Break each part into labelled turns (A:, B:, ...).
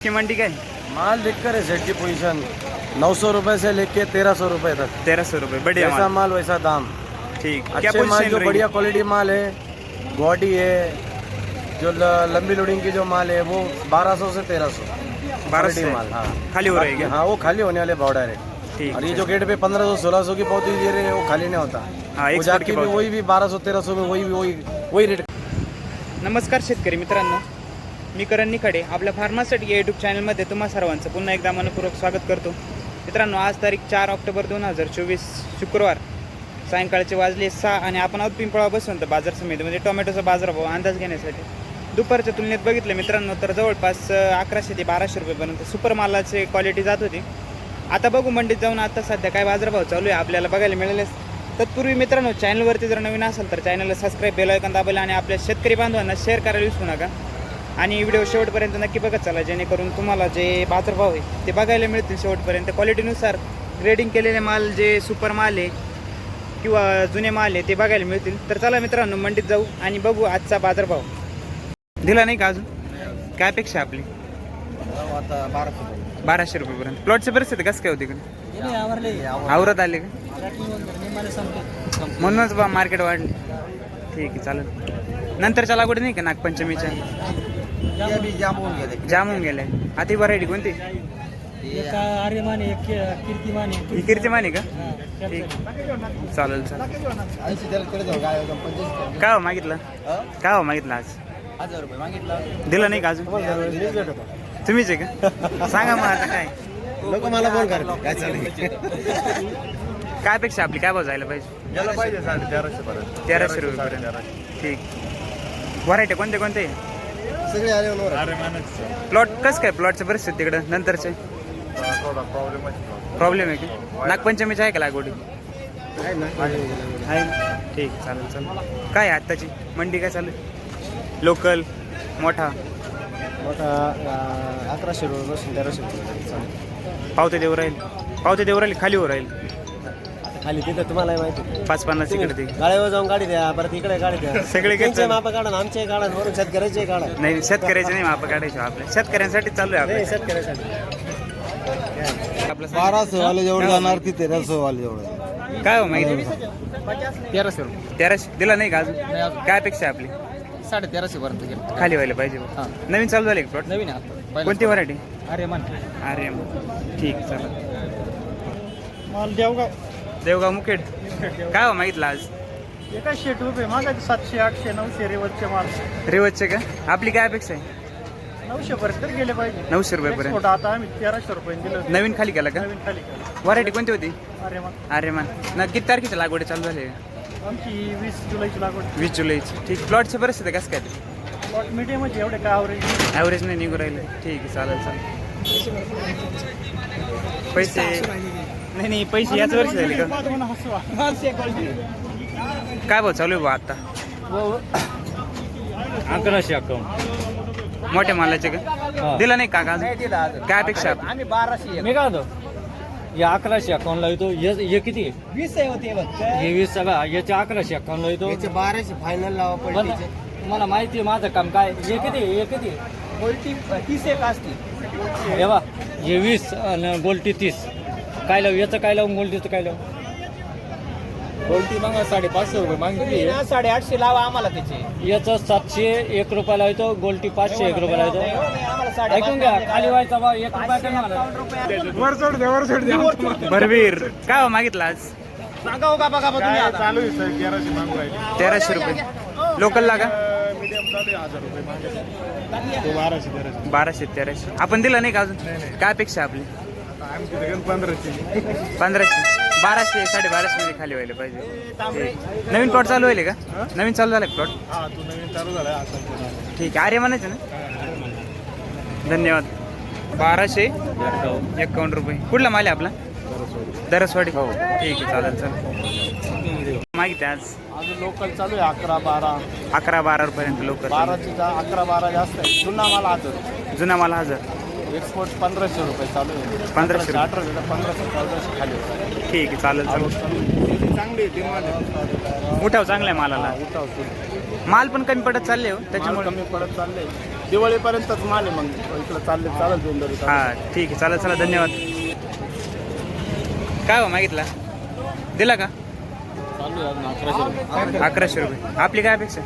A: की मंडी काय
B: माल लिखकर है सेट की पोजीशन 900 रुपए से लेके 1300 रुपए तक।
A: 1300 रुपये बढ़िया
B: जैसा माल वैसा दाम।
A: ठीक क्या
B: अच्छे माल
A: पोजीशन
B: जो बढ़िया क्वालिटी माल है, बॉडी है, जो लंबी लोडिंग की जो माल है वो 1200 से 1300
A: 1200
B: माल। हाँ
A: खाली हो रही है
B: हाँ, वो खाली होने वाले पाउडर है।
A: ठीक
B: और ये जो गेट पे 1500-1600 की पौधी दे रहे हैं वो खाली नहीं होता।
A: हाँ,
B: वो
A: export
B: जाके
A: की
B: भी
A: पावती।
B: वही भी 1200-1300 में वही रेट।
A: नमस्कार शेतकरी मित्रांनो, मी करण निखाडे आपल्या फार्मासिटी या यूट्यूब चॅनलमध्ये तुम्हा सर्वांचं पुन्हा एकदा मनपूर्वक स्वागत करतो। मित्रांनो, आज तारीख 4 ऑक्टोबर 2024 शुक्रवार सायंकाळचे वाजले 6 आणि आपण आहोत पिंपळा बसवंत बाजार समितीमध्ये टोमॅटोचा बाजारभाव अंदाज घेण्यासाठी। दुपारच्या तुलनेत बघितलं मित्रांनो तर जवळपास 1100 ते 1200 रुपयेपर्यंत सुपर मालाची क्वालिटी जात होती। आता बघू मंडीत जाऊन आता सध्या काय बाजारभाव चालू आहे आपल्याला बघायला मिळेल। तत्पूर्वी मित्रांनो, चॅनलवरती जर नवीन असाल तर चॅनलला सबस्क्राईब, बेल आयकॉन दाबायला आणि आपल्या शेतकरी बांधवांना शेअर करायला विसरू नका। आणि व्हिडिओ शेवटपर्यंत नक्की बघत चला, जेणेकरून तुम्हाला जे बाजारभाव आहे ते बघायला मिळतील शेवटपर्यंत। क्वालिटीनुसार ग्रेडिंग केलेले माल, जे सुपर माल आहे किंवा जुने माल आहे ते बघायला मिळतील। तर चला मित्रांनो, मंडीत जाऊ आणि बघू आजचा बाजारभाव। दिला नाही का अजून? काय अपेक्षा आपली?
B: आता
A: 1200 रुपयेपर्यंत। प्लॉटची परिस्थिती कसं काय होती इकडे? आवरत आले का? म्हणूनच बा मार्केट वाढले। ठीक आहे, चालेल। नंतरच्या लागवडी नाही का नागपंचमीच्या? जाम होऊन गेले। आता ही व्हरायटी कोणती? ही कीर्तिमान आहे का? ठीक, चालेल चालेल। काय हो मागितलं? काय हो मागितलं आज?
B: 1000 रुपये मागितलं,
A: दिलं नाही का अजून? तुम्हीच आहे का? सांगा मग आता काय
B: लोक मला फोन करते काय चालेल।
A: काय अपेक्षा आपली? काय भाव जायला पाहिजे?
B: याला पाहिजे 1350 पर्यंत।
A: 1300 रुपयेपर्यंत। ठीक, व्हरायटी कोणते कोणते?
B: सगळे आले
A: प्लॉट कसं काय? प्लॉटचं परिस्थिती तिकडं नंतरचे
B: थोडा
A: प्रॉब्लेम आहे की? नागपंचमीची आहे का लागवडी?
B: आहे ना।
A: आहे ना? ठीक, चालेल चालेल। काय आहे आत्ताची मंडी काय चालू आहे? लोकल मोठा
B: मोठा 1100 रुपये 1300 रुपये
A: पावते देऊ राहील, पावते देऊ राहील, खाली हो राहील
B: खाली तिथं तुम्हाला माहिती
A: 550 इकडे ते
B: गाड्यावर जाऊन गाडी द्या, परत इकडे गाडी द्या।
A: सगळे
B: त्यांचे माप काढा ना, आमचे काढा, वरून शेतकऱ्याचे काढा।
A: नाही, शेतकऱ्याचे नाही माप काढायचे आपल्या, शेतकऱ्यांसाठी चालू आहे
B: नाही,
A: आपलं।
B: शेतकऱ्यासाठी
A: आपलं
B: 1200 वाले जेवढे जाणार ती 1300 वाले जेवढे।
A: काय हो माहिती?
B: 1300 रुपये
A: 1300 दिला नाही का अजून? काय अपेक्षा आहे आपली?
B: 1350 पर्यंत गेलं।
A: खाली व्हायला पाहिजे। नवीन चालू झाले प्लॉट?
B: नवीन आहे
A: कोणती व्हरायटी?
B: अरे मन
A: अरे ठीक, चला।
B: माल देवगाव
A: देवगाव मुखेड। काय हो मागितलं आज?
B: एका 100 रुपये मागायचे 700 800 900 रेवतचे माल।
A: रेवतचे का? आपली काय अपेक्षा आहे?
B: 900 पर्यंत गेले पाहिजे।
A: 900 रुपयेपर्यंत।
B: एक्सपोर्ट आता आम्ही 1300 रुपये दिलं।
A: नवीन खाली केला का?
B: नवीन खाली केलं।
A: व्हरायटी कोणती होती?
B: अरे मन
A: अरे मान ना, किती तारखेच्या लागवडी चालू झाली?
B: आमची 20 जुलैची लागवड।
A: 20 जुलैची। ठीक, प्लॉटची परिस्थिती कसं काय?
B: प्लॉट मीडियम एवढे काय ॲव्हरेज
A: ॲव्हरेज नाही निघू राहिले। ठीक आहे, चालेल चालेल। पैसे नाही, पैसे याच वर्षी झाले का? काय भाव चालू आहे बा आता?
B: 1151
A: मोठ्या मालाचे का? दिला नाही का अजून? काय अपेक्षा आहे?
B: आम्ही 1200
C: मी काय होतो या 1151 ला येतो हे किती
B: 20 आहे होते
C: हे 20 सगळा याचे 1151 ला येतो
B: 1200 फायनल लावा
C: पण
B: पडते।
C: मला माहिती आहे माझं काम काय हे किती
B: क्वालिटी 30 एक असते।
C: हे बा हे 20 आणि गोल्टी 30 काय लावू याचं काय लावून गोल्टीचं काय लावू
B: क्वालिटी मग 550 रुपये मागितली 850 लावा आम्हाला त्याचे।
C: याचं 701 रुपयाला येतो गोल्टी 501 रुपयाला येतो। ऐकून घ्या खाली व्हायचा बा 1 रुपया कमी मला
A: भरवीर काय हो मागितलं आज?
B: सांगा हो का बघा तुम्ही आता चालू आहे सर 1100 मागू राहिले।
A: 1300 रुपये लोकल लागा?
B: मीडियम चालू आहे 1000 रुपये मागे तो 1200
A: 1200 1300 आपण दिलं नाही का अजून? काय अपेक्षा आपली?
B: आमची 1500
A: 1500 1200 1250 मध्ये खाली व्हायला पाहिजे। ठीक. नवीन प्लॉट चालू व्हायले का? नवीन चालू झालं प्लॉट?
B: हा तू नवीन चालू झाला आता।
A: ठीक आहे, अरे म्हणायचं ना। धन्यवाद। 1251 रुपये। कुठला माल आहे आपला? दरसवाडी। हो ठीक आहे, चालेल चालेल। माहिती आज
B: अजून लोकल चालू आहे 11-12
A: 11-12 रुपयापर्यंत लोकल।
B: 12ची 11-12 जास्त आहे। जुना माल 1000,
A: जुना माल 1000,
B: एक्सपोर्ट 1500 रुपये चालू आहे।
A: 1500
B: 18 1500 खाली होता।
A: ठीक आहे, चालेल चालेल।
B: चांगली डिमांड आहे।
A: उठाव चांगला आहे मालाला।
B: उठाव
A: माल पण कमी पडत चालले हो
D: माल
A: त्याच्यामुळे.
D: कमी पडत चालले, दिवाळीपर्यंतच माल आहे. मग इकडं चालेल दोन
A: हा ठीक आहे, चालेल चला धन्यवाद. काय हो मागितला, दिला का? 1100 रुपये. आपली काय अपेक्षा?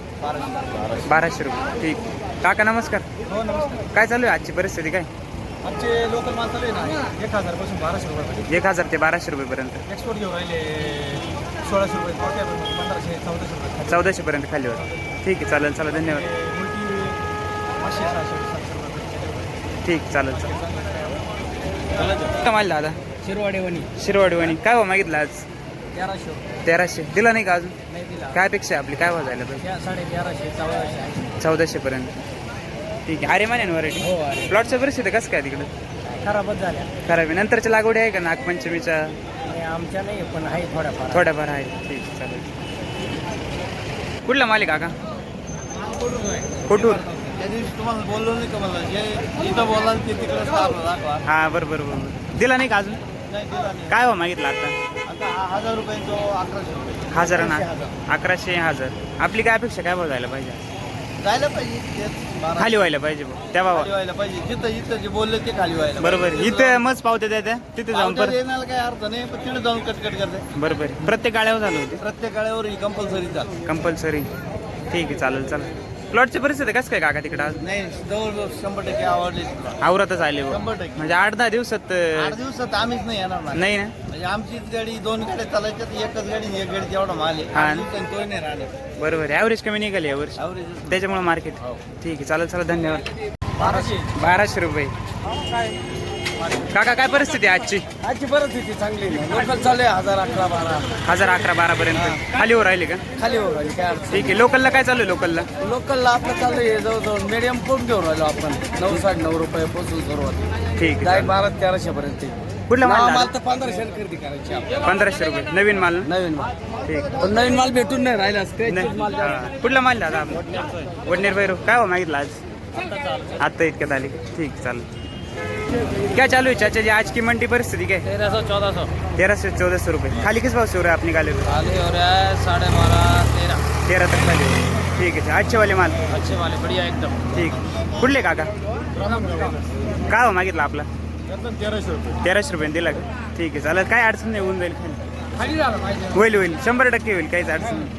A: 1200 रुपये. ठीक. काका नमस्कार.
B: हो नमस्कार.
A: काय चालू आहे आजची परिस्थिती काय?
B: आजचे लोकल माल चालू आहे ना 1000 पासून 1200 रुपये.
A: 1000 ते 1200 रुपयेपर्यंत.
B: एक्सपोर्ट घेऊन राहिले 1600 रुपये, 1500 1400 रुपये.
A: 1400 पर्यंत खाली होतं. ठीक आहे, चालेल चला धन्यवाद.
B: मुलगी 500 600 700 रुपये.
A: ठीक, चालेल चालेल. काय माल दादा? शिरवाडी वणी. काय हो मागितलं आज? 1300. दिला नाही का अजून?
B: नाही दिला.
A: काय अपेक्षा आहे आपली, काय भाव जायला पाहिजे?
B: 1150
A: 1400 पर्यंत. ठीक आहे. अरे माने व्हरायटी.
B: हो अरे
A: प्लॉटच्या परिस्थिती कसं काय तिकडं?
B: खराबच झाल्या.
A: खराब आहे. नंतरच्या लागवडी आहे का नागपंचमीच्या?
B: आणि आमच्या नाही पण आहे थोड्याफार.
A: थोड्याफार आहे. ठीक आहे, चालेल. कुठला मालिक काका? कोठूर.
B: त्या दिवशी तुम्हाला बोललो नाही का मला, जे इथं बोलाल ते तिकडे दाखवा.
A: हा बरोबर बरोबर. दिला नाही का अजून?
B: नाही दिला नाही.
A: काय हो मागितलं आता?
B: आता 1000 रुपये तो 1100 रुपये.
A: 1000 ना? 1100 1000. आपली काय अपेक्षा, काय भाव जायला पाहिजे?
B: जायला पाहिजे तेच 1200
A: खाली व्हायला पाहिजे भाऊ. त्या भावा
B: खाली व्हायला पाहिजे. जिथं जे बोलले ते खाली व्हायला
A: बरोबर. इथे मच पावते त्या तिथे जाऊन परत.
B: येण्याला काही अर्थ नाही, पण तिथे जाऊन कटकट करते.
A: बरोबर. प्रत्येक गाड्यावर झालं होते
B: प्रत्येक गाड्यावर ही कंपल्सरी जा.
A: कंपल्सरी. ठीक आहे, चालेल चला. प्लॉटची परिस्थिती कसं काय काका तिकडं आज?
B: नाही जवळजवळ 100% आवडले.
A: आवरातच आले भाऊ.
B: 100%.
A: म्हणजे 8-10 दिवसात
B: 8 दिवसात आम्हीच नाही येणार ना.
A: नाही ना?
B: म्हणजे आमचीच गाडी 2 गाड्या चालायच्या, तर एकच गाडी एक गाडी तेवढा माल आहे.
A: हा.
B: 8 दिवसांनी तोही नाही राहिले.
A: बरोबर. ॲव्हरेज कमी निघाली यावर्षी,
B: ॲव्हरेज
A: त्याच्यामुळे मार्केट. ठीक आहे, चालेल चला धन्यवाद. 1200 रुपये. काका काय परिस्थिती आहे आजची?
B: आजची परिस्थिती चांगली नाही. लोकल चालू आहे 1000 11 12
A: 1011-12 पर्यंत खाली वर राहिले का?
B: खाली हो राहिली काय अडचण.
A: ठीक आहे. लोकलला काय चालू आहे? लोकलला
B: लोकलला आपलं चालू आहे जवळजवळ मीडियम पोट घेऊन राहिलो आपण 9-9.5 रुपये पोचून सुरुवात.
A: ठीक आहे,
B: डायरेक्ट
A: चालेल.
B: 1200-1300 पर्यंत.
A: कुठला माल
B: माल
A: दादा?
B: तर 1500 खरेदी करायची आपल्याला.
A: 1500 रुपये नवीन माल ना?
B: नवीन माल.
A: ठीक.
B: पण नवीन माल भेटून नाही राहिला.
A: नाही.
B: माल
A: हा. कुठला माल दादा आपला? वडनेर भैरव. काय हो मागितलं आज? आता इतक्यात आली. ठीक, चालेल. क्या चालू है चाचा जी आज की मंडी परिस्थिती क्या है?
C: 1300-1400
A: 1300-1400 रुपये. खाली किस भाव से हो रहा है आप निकाले हुए?
C: खाली हो रहा है 12.5-13.
A: 13 तक खाली हो. ठीक है, अच्छे वाले माल.
C: अच्छे वाले बढ़िया एकदम.
A: ठीक. कुठले काका? काय हो मागितलं आपला?
B: 1300 रुपये.
A: 1300 रुपये दिला का? ठीक आहे, चालेल. काय अडचण नाही, होऊन जाईल खाली.
B: खाली झालं पाहिजे.
A: होईल होईल 100% होईल, काहीच अडचण नाही.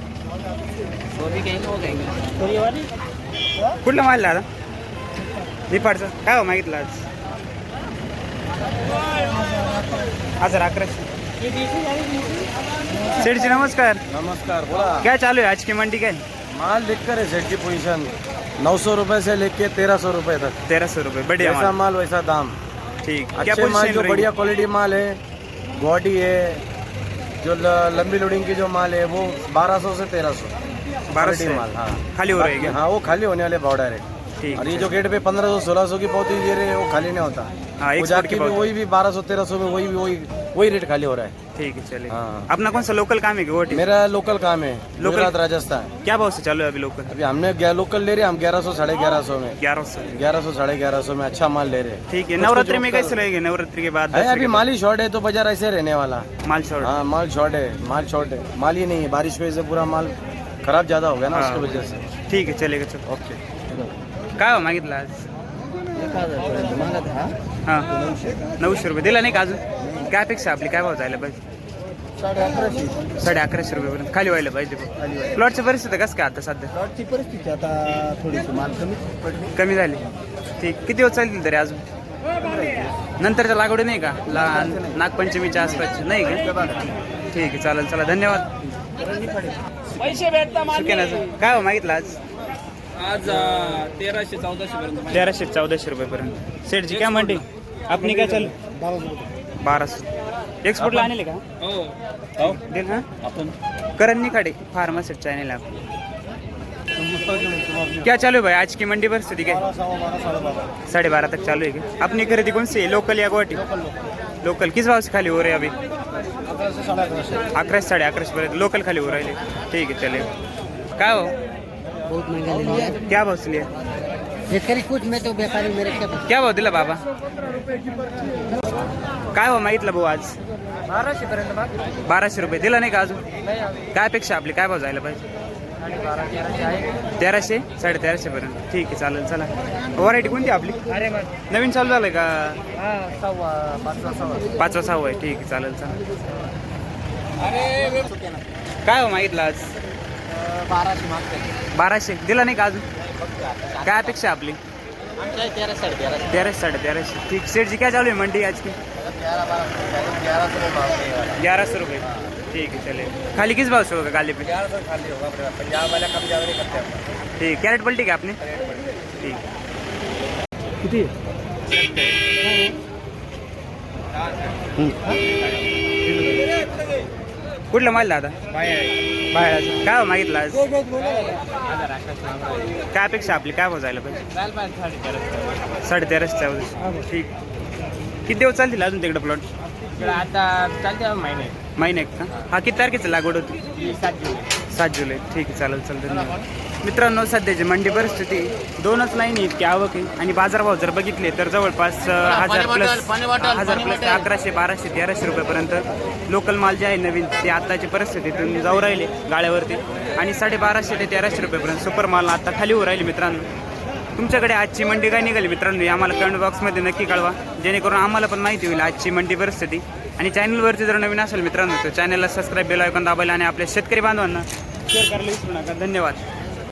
A: कुठला माल दादा? निफाडचं. काय हो मागितलं आज? 1100. सेठ जी नमस्कार.
B: नमस्कार बोला.
A: क्या चालू है आज की मंडी क्या?
B: माल लिखकर है सेट की पोजीशन 900 रुपए से लेके 1300 रुपए तक.
A: 1300 रुपये. बढ़िया
B: जैसा
A: माल.
B: माल वैसा दाम.
A: ठीक. क्या
B: अच्छे माल
A: पोजीशन
B: जो
A: रहेगी?
B: बढ़िया क्वालिटी माल है, बॉडी है, जो लंबी लोडिंग की जो माल है वो 1200 से 1300.
A: 1200
B: क्वालिटी माल. हाँ
A: खाली हो रही है क्या?
B: हाँ वो खाली होने वाले भाव डायरेक्ट.
A: ठीक.
B: और ये जो गेट पे 1500-1600 की पौती दे रहे हैं वो खाली नहीं होता.
A: हाँ,
B: वो
A: एक्सपोर्ट
B: जाके
A: की
B: भी
A: पौती.
B: वही भी 1200-1300 में वही रेट खाली हो रहा है.
A: ठीक है, चलिए.
B: हाँ.
A: अपना कौन सा लोकल काम है कि वोट?
B: मेरा लोकल काम है, गुजरात राजस्थान.
A: क्या भाव से चालू है अभी लोकल?
B: अभी हमने लोकल ले रहे हैं हम 1100-1150 में.
A: 1100.
B: 1100-1150 में अच्छा माल ले रहे हैं.
A: ठीक है.
B: उसको
A: नवरात्रि
B: जो
A: में
B: कर-
A: कैसे रहेगी? नवरात्रि के बाद
B: है
A: 10
B: अभी माल ही शॉर्ट है तो बाजार ऐसे रहने वाला.
A: माल शॉर्ट.
B: हाँ माल शॉर्ट है, माल ही नहीं है. बारिश की वजह से पूरा माल खराब ज्यादा हो गया ना,
A: हाँ.
B: उसकी वजह से.
A: ठीक आहे, चलेगा. चल.
B: ओके.
A: काय हो मागितलं आज? हां 900 रुपये. दिला नाही का अजून? काय अपेक्षा आपली, काय भाव जायला पाहिजे? 1150 रुपयेपर्यंत खाली व्हायला पाहिजे. प्लॉटची परिस्थिती कसं काय आता सध्या?
B: प्लॉटची परिस्थिती आता थोडीशी माल कमी पडली.
A: कमी झाली. ठीक. किती दिवस चालतील तरी अजून? नंतरच्या लागवडी नाही का? नागपंचमीच्या आसपासची नाही का? ठीक आहे, चालेल. चला धन्यवाद.
C: पैसे भेटता
A: सुकेनाचं काय हो मागितलं आज?
C: आज 1300-1400 पर्यंत.
A: 1300-1400 रुपयेपर्यंत. सेठजी काय म्हणते? आपली काय चालू? 1200. एक्सपोर्टला आणले का?
C: हो
A: दिल हां.
C: आपण
A: करण निखाडे फार्मासिस्ट चैनल आप. क्या चालू है भाई आज की मंडी परिस्थिती क्या? 12:30 तक चालू है क्या? अपनी खरीदी कौन सी है, लोकल या गुवाहाटी? लोकल. किस भाव से खाली हो रहे हैं अभी? 1100-1150 पर्यंत लोकल खाली हो रहे हैं. ठीक है, चलिए. काय हो?
E: बहुत महंगा ले लिया
A: क्या भाव से लिया?
E: शेतकरी कुछ में तो व्यापारी मेरे
A: क्या भाव दिला बाबा? काय हो मागितलं भाऊ आज?
B: 1200 पर्यंत.
A: 1200 रुपये. दिला नाही का अजून? काय अपेक्षा आपली, काय भाव जायला पाहिजे? 1300 1350 पर्यंत ठीक आहे चालेल. चला व्हरायटी कोणती आपली नवीन चालू झालंय का? 5वा 6वा आहे ठीक आहे चालेल. चला काय हो मागितलं आज? 1200 दिला नाही का अजून? काय अपेक्षा आपली? 1300 1350 ठीक. सेठजी काय चालू आहे मंडी आज की? 1100 रुपये ठीक है चले. खाली किस भाव से होगा गाली पे?
B: 1100 खाली होगा पंजाब वाला कम ज़्यादा नहीं करते हम.
A: ठीक. कैरेट पलटी का आपने? ठीक. किती? कुठला माल दादा? बाहेर. काय हो मागितलं आज? काय अपेक्षा आपली? काय भाव जायला पाहिजे? 1350 ठीक. किती दिवस चालतील अजून तिकडे प्लॉट?
C: आता चालते
A: महिने का? हा किती तारखेचं लागवड होती? 7 जुलै ठीक आहे चालेल चालेल. धन्यवाद मित्रांनो. सध्याची मंडी परिस्थिती 2च लाईन इतकी आवक आहे आणि बाजारभाव जर बघितले तर जवळपास 1000 प्लस 1100 1200 1300 रुपयापर्यंत लोकल माल जे आहे नवीन ते आत्ताची परिस्थितीतून जाऊ राहिले गाळ्यावरती आणि 1250 ते 1300 रुपयापर्यंत सुपर माल आता खाली होऊ राहिले. मित्रांनो तुमच्याकडे आजची मंडी काय निघाली मित्रांनो आम्हाला कमेंट बॉक्समध्ये नक्की कळवा जेणेकरून आम्हाला पण माहिती होईल आजची मंडी परिस्थिती. आणि चॅनलवरती जर नवीन असेल मित्रांनो तर चॅनलला सबस्क्राईब बेल आयकॉन दाबायला आणि आपल्या शेतकरी बांधवांना शेअर करायला विसरू नका. धन्यवाद.